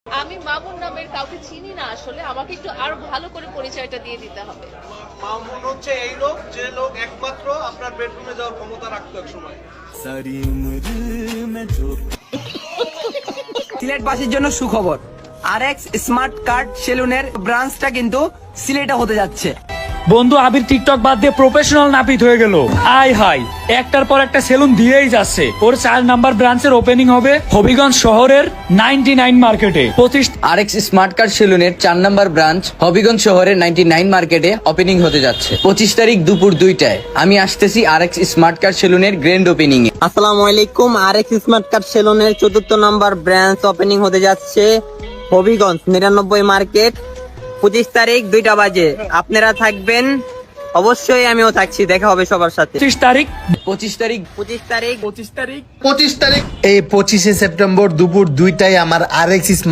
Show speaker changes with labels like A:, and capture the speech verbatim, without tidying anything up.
A: আমি মামুন নামের কাউকে চিনি না, আসলে আমাকে একটু আরো ভালো করে পরিচয়টা দিয়ে দিতে হবে।
B: মামুন হচ্ছে এই লোক, যে লোক একমাত্র আপনার বেডরুমে যাওয়ার ক্ষমতা রাখতো এক সময়।
C: সিলেটবাসীর জন্য সুখবর, আর এক্স স্মার্ট কার্ড সেলুনের ব্রাঞ্চটা কিন্তু সিলেটে হতে যাচ্ছে।
D: বন্ধু আবির টিকটক বাদ দিয়ে প্রফেশনাল নাপিত হয়ে গেল। আয় হাই, একটার পর একটা সেলুন দিয়েই যাচ্ছে। ওর চার নাম্বার ব্রাঞ্চের ওপেনিং হবে হবিগঞ্জ শহরের নাইনটি নাইন মার্কেটে। পঁচিশ
E: আর এক্স স্মার্ট কার্ড সেলুনের চার নম্বর ব্রাঞ্চ হবিগঞ্জ শহরের নাইনটি নাইন মার্কেটে ওপেনিং হতে যাচ্ছে পঁচিশ তারিখ দুপুর দুইটায়। আমি আসতেছি আর এক্স স্মার্ট কার্ড সেলুনের গ্র্যান্ড ওপেনিং এ।
F: আসসালামু আলাইকুম। আর এক্স স্মার্ট কার্ড সেলুনের চতুর্থ নম্বর ব্রাঞ্চ ওপেনিং হতে যাচ্ছে হবিগঞ্জ নিরানব্বই মার্কেট পঁচিশ তারিখ দুইটা বাজে। আপনারা থাকবেন, অবশ্যই আমিও থাকছি। দেখা হবে সবার সাথে।
D: পঁচিশ তারিখ
E: পঁচিশ তারিখ
F: পঁচিশ তারিখ
D: পঁচিশ তারিখ
B: পঁচিশ তারিখ
G: এই পঁচিশে সেপ্টেম্বর দুপুর দুইটায় আমার আর এক্স